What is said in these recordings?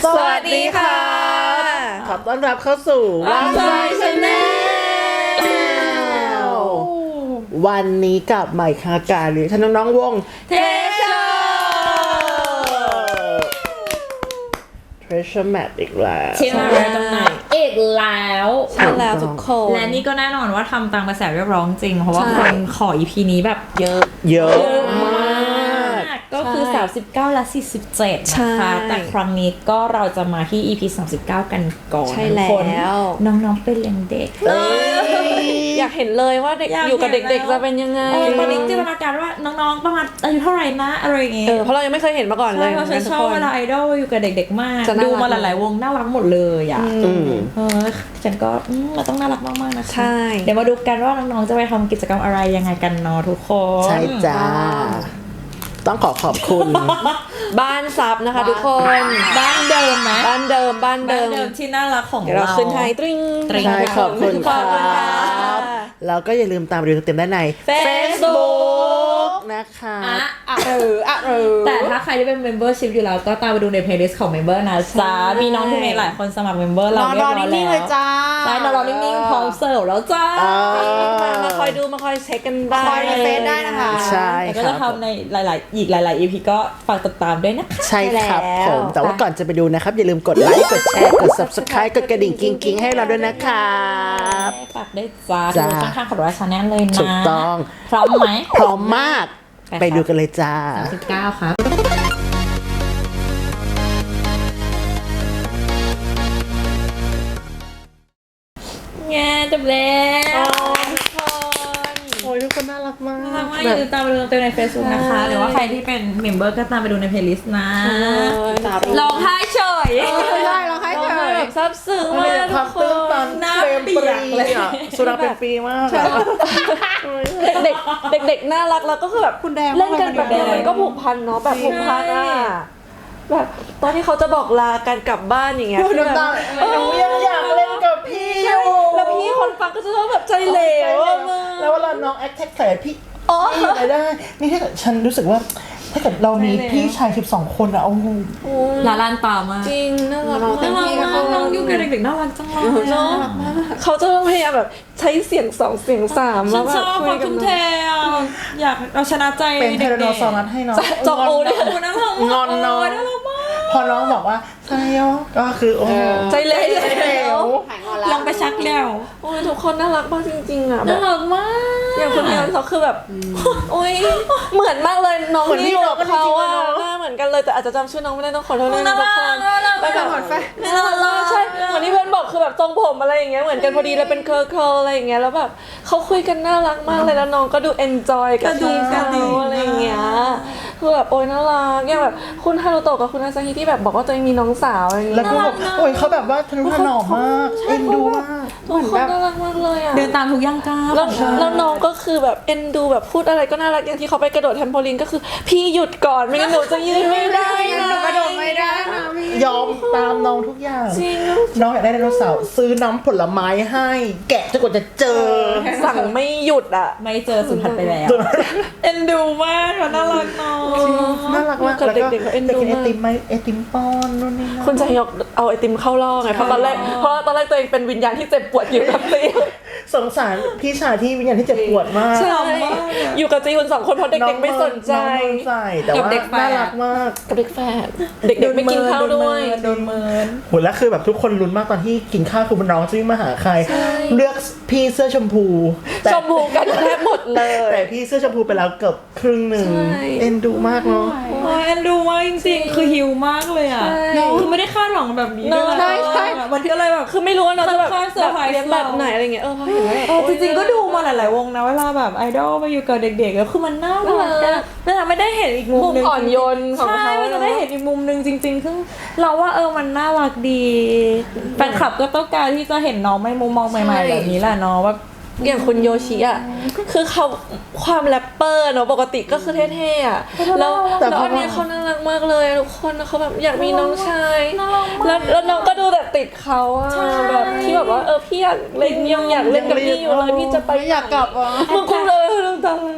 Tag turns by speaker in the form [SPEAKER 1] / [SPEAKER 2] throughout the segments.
[SPEAKER 1] สวัสดีค่ะขอต้อนรับเข้าสู่วัน Channel วันนี้กับใหม่คาการหรือท่านน้องๆวงTreasure Map อีกแล้ว
[SPEAKER 2] ที่มาแล้วตรงไหนอีกแล้ว
[SPEAKER 3] ใช่แล้วทุกคน
[SPEAKER 2] และนี่ก็แน่นอนว่าทำตามกระแสเรียกร้องจริงเพราะว่าคนขอ EP นี้แบบเยอะมากก็คือ39และ47นะคะแต่ครั้งนี้ก็เราจะมาที่ EP 39กันก่อน
[SPEAKER 3] ใช่แล้ว
[SPEAKER 2] น้องๆเป็นยังเด็ก
[SPEAKER 3] อยากเห็นเลยว่าเด็กอยู่กับเด็กๆจะเป็นยังไง
[SPEAKER 2] ตอนนี้จินตนาการว่าน้องๆประมาณอายุเท่าไหร่นะอะไรอย่างเงี้ย
[SPEAKER 3] เพราะเรายังไม่เคยเห็นมาก่อนเลย
[SPEAKER 2] เพราะฉันชอบเวลาไอดอลอยู่กับเด็กๆมากดูมาหลายๆวงน่ารักหมดเลยอ่ะฉันก็มันต้องน่ารักมากๆนะคะเดี๋ยวมาดูกันว่าน้องๆจะไปทำกิจกรรมอะไรยังไงกันเนาะทุกคน
[SPEAKER 1] ใช่จ้าต้องขอบคุณ
[SPEAKER 3] บ้านซับนะคะทุกคน
[SPEAKER 2] บ้านเดิมไหม
[SPEAKER 3] บ้านเดิม
[SPEAKER 2] ที่น่ารักของ
[SPEAKER 3] เราขึ้นไทยตริง
[SPEAKER 1] ใช่ขอบคุณครับแล้วก็อย่าลืมตามดูเต็มได้ใน Facebook นะคะ
[SPEAKER 2] แต่ถ้าใครที่เป็น membership อยู่แล้วก็ตามไปดูใน playlist ของ member นะจ๊ะมีน้องที่มีหลายคนสมัคร member เราเรียบร้อยแล้วใช่นอนนิ่งๆพร้อมเสิร์ฟแล้วจ้า
[SPEAKER 3] มาคอยดูมาคอยเช็คกันได้
[SPEAKER 2] คอยในเฟซได้นะคะ
[SPEAKER 1] ใช่
[SPEAKER 2] ครับก็จะทำในหลาย EP ก็ฝากติดตามด้วยนะคะ
[SPEAKER 1] ใช่ครับผมแต่ว่าก่อนจะไปดูนะครับอย่าลืมกดไลค์กดแชร์กด subscribe กดกระดิ่งกิ๊งๆให้เราด้วยนะครับ
[SPEAKER 2] ฝากได้จ้าดูช่องทางของเรา Channel เลยนะ
[SPEAKER 1] ถูกต้อง
[SPEAKER 2] พร้อมไหม
[SPEAKER 1] พร้อมมากไปดูกันเลยจ้า
[SPEAKER 2] 39ครับแง่จบแล้ว
[SPEAKER 1] โอ้ยทุกคนน่ารักมาก
[SPEAKER 2] อย่าลืมตามไปดูเต็มใน Facebook นะคะหรือว่าใครที่เป็นเมมเบอร์ก็ตามไปดูใน playlist นะร้องไห้เฉย
[SPEAKER 3] ได้ร้องไห้เฉยแบบซับซึ้งมากทุกคน
[SPEAKER 2] น้ำเปียกเลย
[SPEAKER 1] สุดาเป็นปีมาก
[SPEAKER 3] เด็กน่ารักแล้วก็คือแบบ
[SPEAKER 1] คุณแดง
[SPEAKER 3] เล่นกันแบบมันก็ผูกพันเนาะแบบผูกพันอ่ะแบบตอนที่เขาจะบอกลากันกลับบ้านอย่างเงี้ย
[SPEAKER 1] คือแบบหนูยังอยากเล่นกับพี่
[SPEAKER 3] แล้วพี่คนฟังก็จะต้องแบบใจเหลว
[SPEAKER 1] แล้วเวลาน้องแอคแท็กใส่พี่อะไรได้นี่ถ้าเกิดฉันรู้สึกว่าถ้าเกิดเรามีพี่ชาย12คนอะโอ้โห
[SPEAKER 2] ลาลานตามาก
[SPEAKER 3] จริงน่ารัก
[SPEAKER 2] น้องยุ่งกับเด็กๆน่ารักจังเลยเนาะ
[SPEAKER 3] เขาจะต้องพยายามแบบใช้เสียง2เสียง3แล้วแบบ
[SPEAKER 2] คุยกันแทนอยากเอาชนะใจ
[SPEAKER 1] เป็นเทโรโนซอรัสให้น้อง
[SPEAKER 3] จอกโอ้นะ
[SPEAKER 1] งอนน้องพอน้องบอกว่าใช่ยก็คือโอ้
[SPEAKER 3] ใจเหลว
[SPEAKER 2] ลองไปชักแล้ว
[SPEAKER 3] โอ้ยทุกคนน่ารักมากจริงๆอ่ะ
[SPEAKER 2] น่ารักมาก
[SPEAKER 3] อย่างคนนี้เขาคือแบบโอ้ยเหมือนมากเลยน้องที่อยู่กับเขาอ่ะหน้าเหมือนกันเลยแต่อาจจะจำชื่อน้องไม่ได้ต้องขอโทษด้วยนะทุกคน
[SPEAKER 2] แล้วแบบ
[SPEAKER 3] น่ารักใช่เหมือนที่เพื่อนบอกคือแบบทรงผมอะไรอย่างเงี้ยเหมือนกันพอดีเลยเป็นเคิร์ลอะไรอย่างเงี้ยแล้วแบบเขาคุยกันน่ารักมากเลยแล้วน้องก็ดูเอนจอยกับที่เขาอะไรอย่างเงี้ยคือแบบโอ้ยน่ารักอย่างแบบคุณฮารุโตะกับคุณอาซาฮิที่แบบบอกว่าตัวเองมีน้องสาวอะไรอย่างเงี้ย
[SPEAKER 1] แล้วก็แบบโอ้ยเขาแบบว่าทะนุถนอมมากเอ็นดูมาก
[SPEAKER 3] ทุกคนน่ารักมากเลยอ่ะ
[SPEAKER 2] เดินตามทุกย่างก้าว
[SPEAKER 3] แล้วน้องก็คือแบบเอ็นดูแบบพูดอะไรก็น่ารักอย่างที่เขาไปกระโดดแทมโพลินก็คือพี่หยุดก่อนไม่งั้นหนูจะยืนไม่ได้นะ
[SPEAKER 2] กระโดดไม่ได้นะ
[SPEAKER 1] ยอมตามน้องทุกอย่างน้องอยากได้ไดโนเสาร์ซื้อน้ำผลไม้ให้แกะจนกว่าจะเจอ
[SPEAKER 3] สั่งไม่หยุดอ่ะ
[SPEAKER 2] ไม่เจอสุดทันไปแล้วเอ็นดูมากน่ารักน้อง
[SPEAKER 1] น่ารักมากแล้วก็เอ็นดูไอติมไหมไอติมป้อนนู่นนี่นั่น
[SPEAKER 3] คุณจะยกเอาไอติมเข้าล่อไงเพราะตอนแรกตัวเองเป็นวิญญาณที่เจ็บปวดอยู่กับจี
[SPEAKER 1] สงสารพี่ชายที่วิญญาณที่เจ็บปวดมาก
[SPEAKER 3] ใช่อยู่กับจีคุณ2คนเพราะเด็กๆไม่สนใจ
[SPEAKER 1] แต่ว่าน่ารักมาก
[SPEAKER 3] กับเด็กแฝดเด็กๆไม่กินข้าวด้วย
[SPEAKER 2] โดนเมิน
[SPEAKER 1] โหแล้วคือแบบทุกคนลุ้นมากตอนที่กินข้าวคือน้องจะวิ่งมาหาใครเลือกพี่เสื้อชมพู
[SPEAKER 3] กันแทบหมดเลย
[SPEAKER 1] แต่พี่เสื้อชมพูไปแล้วเกือบครึ่งนึงเอ็นดูมากเนาะ
[SPEAKER 2] เอ็นดูมากจริงๆคือหิวมากเลยอ่ะคือไม่ได้คาดหวังแบบนี้ด้วย
[SPEAKER 3] ใช่
[SPEAKER 2] มันก็เลยแบบ
[SPEAKER 3] คือไม่รู้ว่าน้องจะแบบเลี้ยงแบบไหนอะไรเงี้ยพอเห็นว่า
[SPEAKER 2] จริงๆก็ดูมาหลายๆวงนะเวลาแบบไอดอลไปอยู่กับเด็กๆแล้วคือมันน่ารักแต่ไม่ได้เห็นอีกมุมนึง
[SPEAKER 3] อ่อนโยนของเขา
[SPEAKER 2] ไม่ได้เห็นอีกมุมนึงจริงๆคือเราว่ามันน่ารักดีแฟนคลับก็ต้องการที่จะเห็นน้องไม่มุมมองใหม่ๆแบบนี้แหละเนาะว่า
[SPEAKER 3] อย่างคุณโยชิอ่ะคือเขาความแรปเปอร์เนาะปกติก็คือเท่ๆอ่ะแล้วอันนี้เขาน่ารักมากเลยทุกคนเขาแบบอยากมีน้องชายแล้วน้องก็ดูแบบติดเขาอ่ะแบบที่แบบว่าพี่อยากเล่นยังอยากเล่นกับพี่อยู่เลยพี่จะไป
[SPEAKER 1] อยากกลับอ่ะ
[SPEAKER 3] มึงคงเลยตา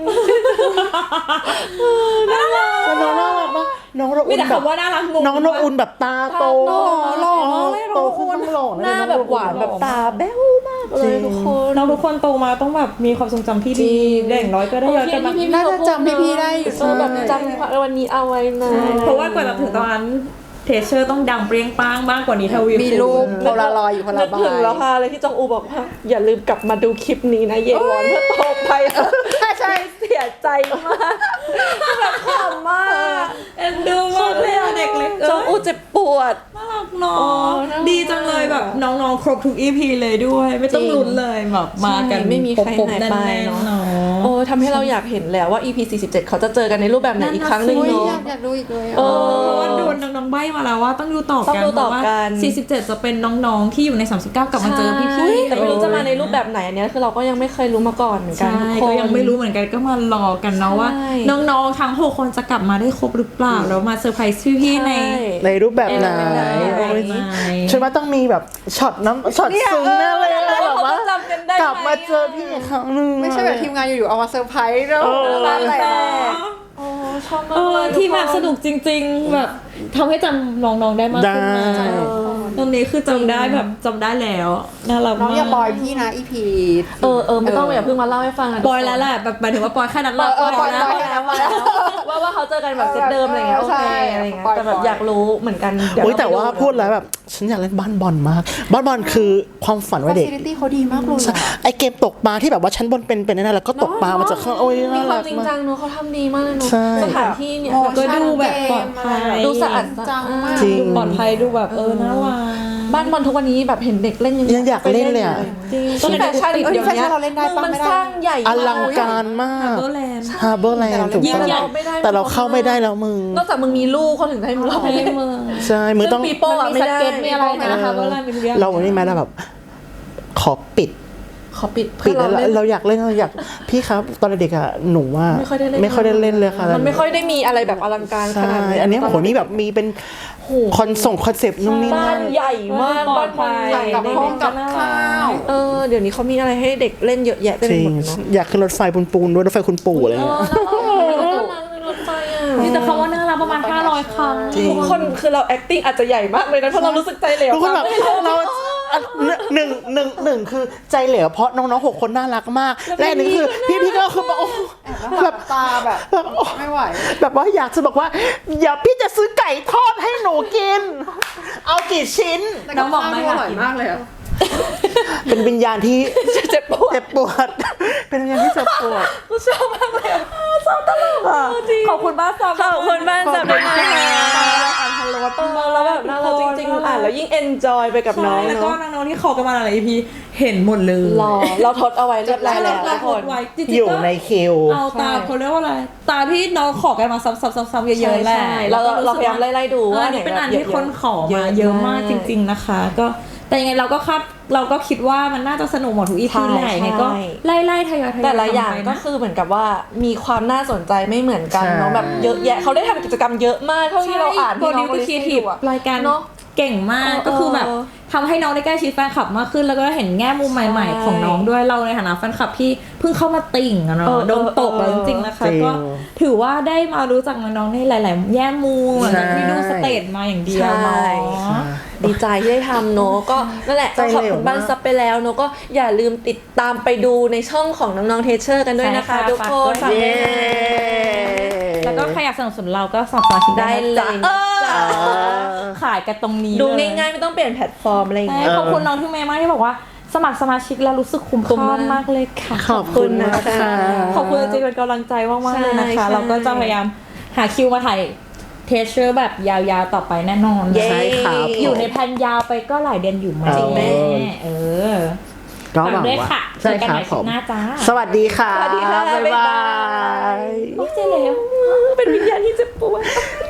[SPEAKER 1] แล้วน้องน่ารักมากน้องระ
[SPEAKER 2] มี
[SPEAKER 1] อุ่น
[SPEAKER 2] แต่
[SPEAKER 1] แบบ
[SPEAKER 2] คำว่าน่ารักงง
[SPEAKER 1] น้องระอุ่นแบบตาโต
[SPEAKER 3] หล่อ
[SPEAKER 1] โตขึ้นต้องหล่อ
[SPEAKER 3] หน้าแบบหวานแบบตาแบ๊วมากเลยทุกคน
[SPEAKER 2] น้องทุกคนโตมาต้องแบบมีความทรงจำที่ดีได้อย่างน้อยก็ได้ย้อนกลับมา
[SPEAKER 4] น่าจะจำพี่ๆได้อยู่
[SPEAKER 3] แบบจำวันนี้เอาไว้นะ
[SPEAKER 2] เพราะว่ากว่าจะถึงตอนนั้นเทเชอร์ต้องดังเปรี้ยงป้างมากกว่านี้ทวี
[SPEAKER 4] มีรูปโพลารอยด์อยู่คน
[SPEAKER 3] นึ
[SPEAKER 4] ละ
[SPEAKER 3] ก
[SPEAKER 4] ใบ
[SPEAKER 3] ถึงแล้วค่ะเลยที่จองอูบอกว่าอย่าลืมกลับมาดูคลิปนี้นะเยวอนเพื่อโตไปใช่เสียใจมากแบบขำมาก
[SPEAKER 2] เอ็นดูมากเลยอะเด็กเล็ก
[SPEAKER 3] จองอูเจ็บปวด
[SPEAKER 2] น่ารักเนาะ
[SPEAKER 3] น่ารัก
[SPEAKER 2] ดีจังเลยแบบน้องๆครบทุก EP เลยด้วย ไม่ต้องลุ้นเลยแบบมากัน
[SPEAKER 3] ใช่ไม่มีใคร
[SPEAKER 2] ปบ
[SPEAKER 3] หาย
[SPEAKER 2] ๆ
[SPEAKER 3] ไป
[SPEAKER 2] แน่น
[SPEAKER 3] เนาะ
[SPEAKER 2] ๆเนาะ
[SPEAKER 3] โอ้ทำให้เราอยากเห็นแล้วว่า EP 47เขาจะเจอกันในรูปแบบไหนอีกครั้งหนึ่ง
[SPEAKER 4] อุ๊ย
[SPEAKER 3] เนาะ
[SPEAKER 4] อยากดูอีกเลย
[SPEAKER 3] เออ
[SPEAKER 2] เพราะว่าโดนน้องๆใบ้มาแล้วว่าต้องดูต่อ
[SPEAKER 3] ต้อง
[SPEAKER 2] กัน
[SPEAKER 3] ดูต่อ
[SPEAKER 2] เพราะว่า
[SPEAKER 3] กัน
[SPEAKER 2] 47 จะเป็นน้องๆที่อยู่ใน 39 กลับมาเจอพี่
[SPEAKER 3] ใช่
[SPEAKER 2] ๆ
[SPEAKER 3] แต่ไม่รู้จะมาในรูปแบบไหนอันเนี้ยคือเราก็ยังไม่เคยรู้มาก่อนเหมือนกัน
[SPEAKER 2] ใช่
[SPEAKER 3] ทุกคน
[SPEAKER 2] ก็ยังไม่รู้เหมือนกันก็มารอกันเนาะว่า
[SPEAKER 3] ใช่
[SPEAKER 2] น้องๆทั้ง6คนจะกลับมาได้ครบหรือเปล่าแล้วมาเซอร์ไพรส์พี่ๆใน
[SPEAKER 1] ในรูปแบบไหน
[SPEAKER 2] แบบไหน
[SPEAKER 1] ฉันว่าต้องมีแบบช็อตช็อตซึ้งแน่เลยนะแบบว่า
[SPEAKER 3] จำกันได้
[SPEAKER 1] กลับมาเจอพี่อีกครั้งหนึง
[SPEAKER 4] ไม่ใช่แบบทีมงานอยู่ๆเอามาเซอร์ไพรส์เนาะ
[SPEAKER 3] ตา
[SPEAKER 4] อะไร
[SPEAKER 3] แตกโอ้ชอบมาก
[SPEAKER 2] เออ
[SPEAKER 3] เลย
[SPEAKER 2] ที่แบบสนุกจริงๆแบบทำให้จำน้องๆได้มากขึ้นมา
[SPEAKER 1] ได้
[SPEAKER 2] ตรงนี้คือจำได้แบบจำได้แล้วน่ารัก
[SPEAKER 4] น้อง
[SPEAKER 2] มาก
[SPEAKER 4] อย่าบอยพี่นะอีพี
[SPEAKER 3] ไม่ต้องอย่าเพิ่งมาเล่าให้ฟังะ
[SPEAKER 2] บอยแล้วแหละแบบหมายถึงว่าบอยแค่นั้นแหละ
[SPEAKER 4] บอย
[SPEAKER 2] แล้ว
[SPEAKER 4] แค่นั้นมาแล้ว
[SPEAKER 3] ว่าเขาเจอกันแบบเซตเดิมอะไรเงี้ยโอ
[SPEAKER 4] ใช่
[SPEAKER 3] เคอะไรเงี้ย
[SPEAKER 4] ปล่อย
[SPEAKER 3] แต่แบบอยากรู้เหมือนกันเดี๋ยว
[SPEAKER 1] อุ๊ยแต่ว่า
[SPEAKER 3] เรไป
[SPEAKER 1] พูดแล้วแบบฉันอยากเล่นบ้านบอลมากบ้านบอลคือความฝันวัยเด็ก
[SPEAKER 4] ฟาซิลิตี้เขาดีมากเลยอะ
[SPEAKER 1] ไอเกมตกปลาที่แบบว่าชั้นบนเป็นนั่นแหละก็ตกปลามาจากข้างโอ้ย
[SPEAKER 3] มี
[SPEAKER 1] น่า
[SPEAKER 3] ควา
[SPEAKER 1] รั
[SPEAKER 3] ม
[SPEAKER 1] ก
[SPEAKER 3] จริง
[SPEAKER 1] มา
[SPEAKER 3] จั
[SPEAKER 1] ก
[SPEAKER 3] งเนอะเขาทำดีมากเลยเนอะ
[SPEAKER 1] ใช่
[SPEAKER 3] สถานที่เนี่ย
[SPEAKER 2] ก็ดูแบบปลอดภัย
[SPEAKER 3] ดูสะอาด
[SPEAKER 4] จังมาก
[SPEAKER 1] จริง
[SPEAKER 2] ดูปลอดภัยดูแบบน่ารัก
[SPEAKER 3] บ้านบอลทุกวันนี้แบบเห็นเด็กเล่น
[SPEAKER 1] ยังอยากเล่นเลยอะ
[SPEAKER 2] จริง
[SPEAKER 3] ต้นแฟชั่น
[SPEAKER 4] เอ้ย
[SPEAKER 3] เดี๋ยว
[SPEAKER 4] แฟชั่
[SPEAKER 3] นี้
[SPEAKER 4] นเราเล่นได้ปะ
[SPEAKER 3] มัน
[SPEAKER 4] ไม่ได้
[SPEAKER 3] สร้างใหญ่
[SPEAKER 1] อลังการมาก
[SPEAKER 2] เบอร์แลนด์
[SPEAKER 1] ฮาร์เบอร์แลนด์ถูก
[SPEAKER 2] ยิ่ง
[SPEAKER 1] ต้อง
[SPEAKER 2] ใหญ่
[SPEAKER 1] แต่เราเข้าไม่ได้แล้วมึง
[SPEAKER 3] นอกจากมึงมีลูกเขาถึงจะให้มึงเข้าไป
[SPEAKER 2] ใน
[SPEAKER 3] เล่น
[SPEAKER 2] เมือง
[SPEAKER 1] ใช่มึงต้อง
[SPEAKER 3] ปีโป้อะไม่ได้
[SPEAKER 2] มีสเก็ตมีอะไรนะคะเบอร์แลนด์มีทุกอย่าง
[SPEAKER 1] เราวันนี้ไหมเราแบบ ขอปิด
[SPEAKER 3] ขอปิด
[SPEAKER 1] ปิดแล้ว
[SPEAKER 3] เล่น
[SPEAKER 1] เราอยากเล่นเราอยากพี่ครับตอนเด็กๆอะหนูว่า
[SPEAKER 3] ไม่ค่อยได้เล่น
[SPEAKER 1] ไม่ค่อยได้เล่นเลยค่ะ
[SPEAKER 3] มันไม่ค่อยได้มีอะไรแบบอลังการข
[SPEAKER 1] ใช่
[SPEAKER 3] นาดนี้
[SPEAKER 1] อันนี้โอ้โหนี่แบบมีเป็นคอนเซปต์นู่นนี่
[SPEAKER 3] บ้า
[SPEAKER 1] นั่
[SPEAKER 3] น
[SPEAKER 1] น
[SPEAKER 3] ใหญ่มากบ้านบอลใหญ่
[SPEAKER 4] กับห้องกับข้าว
[SPEAKER 3] เดี๋ยวนี้เขามีอะไรให้เด็กเล่นเยอะแยะเต็ม
[SPEAKER 1] จ
[SPEAKER 3] ไป
[SPEAKER 1] ริ
[SPEAKER 3] ห
[SPEAKER 1] ง
[SPEAKER 3] มดเนาะ
[SPEAKER 1] อยากขึ้นรถไฟปูนๆด้วยรถไฟคุณปู่อะไรเงี้ย
[SPEAKER 3] รถไฟอ่ะ
[SPEAKER 2] มีแต่คำว่าน่ารักประมาณ500 ครั้ง
[SPEAKER 1] จริง
[SPEAKER 3] ทุกคนคือเรา acting อาจจะใหญ่มากเลยนะเพราะเรารู้สึกใจเหลว
[SPEAKER 1] ทุกคนแบบเราหนึ่งคือใจเหลวเพราะน้องๆ6 คนน่ารักมากและอันหนึ่งคือพี่ก็คือแบบโอ้
[SPEAKER 4] แบบตาแบบไม่ไหว
[SPEAKER 1] แบบว่าอยากจะบอกว่าอย่าพี่จะซื้อไก่ทอดให้หนูกิน เอากี่ชิ้น
[SPEAKER 2] น้องบอกไม่
[SPEAKER 4] อ
[SPEAKER 2] อยาก
[SPEAKER 4] ร่อย
[SPEAKER 2] กิน
[SPEAKER 4] มากเลยอะ
[SPEAKER 1] เป็นวิญญาณที่
[SPEAKER 3] เจ็บปวด
[SPEAKER 1] เจ็บปวด เป็นวิญญาณที่เจ็บปวด
[SPEAKER 3] ชอบมากเลยชอบตลกอ่ะ
[SPEAKER 2] ขอบคุณบ้านซับ
[SPEAKER 3] ขอบคุณบ้านจับด้วยนะคะ
[SPEAKER 2] อ่านฮัลโหล
[SPEAKER 3] แล้วแบบน่ารักจริงๆอ่านแล้วยิ่ง enjoy ไปกับน้อง
[SPEAKER 2] แล้วก็
[SPEAKER 3] เนาะ
[SPEAKER 2] น้องๆที่ขอกันมาหลาย EP เห็นหมดเลย
[SPEAKER 3] รอเราทดเอาไว้เรียบร้อยแล้ว
[SPEAKER 2] เรา
[SPEAKER 3] ทุก
[SPEAKER 2] โพ
[SPEAKER 3] ค
[SPEAKER 2] ส
[SPEAKER 3] น
[SPEAKER 2] ต์ไว้จริงๆ
[SPEAKER 1] อยู่
[SPEAKER 2] ก็
[SPEAKER 1] ในคิว
[SPEAKER 2] เอาตามเขาเรียกว่าอะไรตามที่น้องขอกันมาซ้ำๆๆเยอะๆแหละ
[SPEAKER 3] ใช่เราพยายามไล่ๆดูว่า
[SPEAKER 2] อันนี้เป็นอันที่คนขอมา
[SPEAKER 3] เยอะ
[SPEAKER 2] เยอะมากจริง ๆนะคะ ก็แต่ยังไงเราก็คิดว่ามันน่าจะสนุกหมดทุก EP แหละยังไงก็ไล่ๆทยอยๆ
[SPEAKER 3] แต่ละอย่าง
[SPEAKER 2] ทำไป
[SPEAKER 3] ก็
[SPEAKER 2] นะ
[SPEAKER 3] คือเหมือนกับว่ามีความน่าสนใจไม่เหมือนกันเนาะ
[SPEAKER 1] ใช่
[SPEAKER 3] แบบเยอะแยะเขาได้ทำกิจกรรมเยอะมากเท่าที่เราอ่าน
[SPEAKER 2] โปร
[SPEAKER 3] ที่น้
[SPEAKER 2] ดิ
[SPEAKER 3] อ
[SPEAKER 2] ว
[SPEAKER 3] ง
[SPEAKER 2] ต์ครีเอทีฟรายการ
[SPEAKER 3] เนาะ
[SPEAKER 2] เก่งมากก็คือแบบทำให้น้องได้ใกล้ชิดแฟนคลับมากขึ้น แล้วก็เห็นแง่มุมใหม่ๆของน้องด้วยเราในฐานะแฟนคลับที่เพิ่งเข้ามาติ่งอะเนาะโดนตกแล้วจริงๆนะคะ
[SPEAKER 1] จริง
[SPEAKER 2] ก็ถือว่าได้มารู้จักน้องๆในหลาย ๆ แง่มุมหลังจากที่ดูสเตจมาอย่างเดียวเนาะ
[SPEAKER 3] ดีใจที่ได้ทำเนอะก็นั่นแหละ
[SPEAKER 1] ใจ
[SPEAKER 3] ต้อง
[SPEAKER 1] เหลว
[SPEAKER 3] ขอบคุณบ้าน
[SPEAKER 1] มาก
[SPEAKER 3] ซับไปแล้วเนอะก็อย่าลืมติดตามไปดูในช่องของน้องๆเทเชอร์กันด้วยนะคะ
[SPEAKER 2] ใช่ค่ะ
[SPEAKER 3] ทุกคน
[SPEAKER 2] ฝากด้วย
[SPEAKER 3] ฝากด้วยนะ
[SPEAKER 2] แล้วก็ใครอยากสนับสนุนเราก็สมัครสมาชิก
[SPEAKER 3] ได้
[SPEAKER 2] ได้
[SPEAKER 3] เลย
[SPEAKER 2] จ้ะ
[SPEAKER 3] จ้ะ
[SPEAKER 2] ขายกันตรงนี้
[SPEAKER 3] ดู
[SPEAKER 2] เล
[SPEAKER 3] ง่ายๆไม่ต้องเปลี่ยนแพลตฟอร์มอะไรอย่าง
[SPEAKER 2] ใช่
[SPEAKER 3] เงี้ย
[SPEAKER 2] ขอบคุณน้องที่เมย์มากที่บอกว่าสมัครสมาชิกแล้วรู้สึกคุ้มค่ามากเลยค่ะ
[SPEAKER 1] ขอบคุณนะคะ
[SPEAKER 2] ขอบคุณจริงๆเป็นกำลังใจมากๆเลยนะคะ
[SPEAKER 3] ใช่
[SPEAKER 2] เราก็จะพยายามหาคิวมาถ่ายเทสเชอร์แบบยาวๆต่อไปแน่นอน
[SPEAKER 3] เย้
[SPEAKER 1] ใช่ครับ
[SPEAKER 2] อยู่ในแผนยาวไปก็หลายเดือนอยู่ไหม
[SPEAKER 1] จริงไหม
[SPEAKER 2] เออ
[SPEAKER 1] ก็
[SPEAKER 2] ฝาก
[SPEAKER 1] หวัง
[SPEAKER 2] ด้วย
[SPEAKER 1] ว่า
[SPEAKER 2] ค่ะ
[SPEAKER 1] ใช่
[SPEAKER 2] เจอกัน
[SPEAKER 1] ค
[SPEAKER 2] ให
[SPEAKER 1] รับ
[SPEAKER 2] ม่
[SPEAKER 1] ผ
[SPEAKER 2] คลิป
[SPEAKER 1] ม
[SPEAKER 2] หน้าจ้า
[SPEAKER 1] สวัสดีค่ะ
[SPEAKER 3] สวัสดีค่ะ
[SPEAKER 1] บ๊าย
[SPEAKER 3] บ๊าย
[SPEAKER 1] บา
[SPEAKER 3] บาย
[SPEAKER 1] ย
[SPEAKER 2] โอ้เจ๊เลว
[SPEAKER 3] เป็นวิญญาณที่เจ็บปวด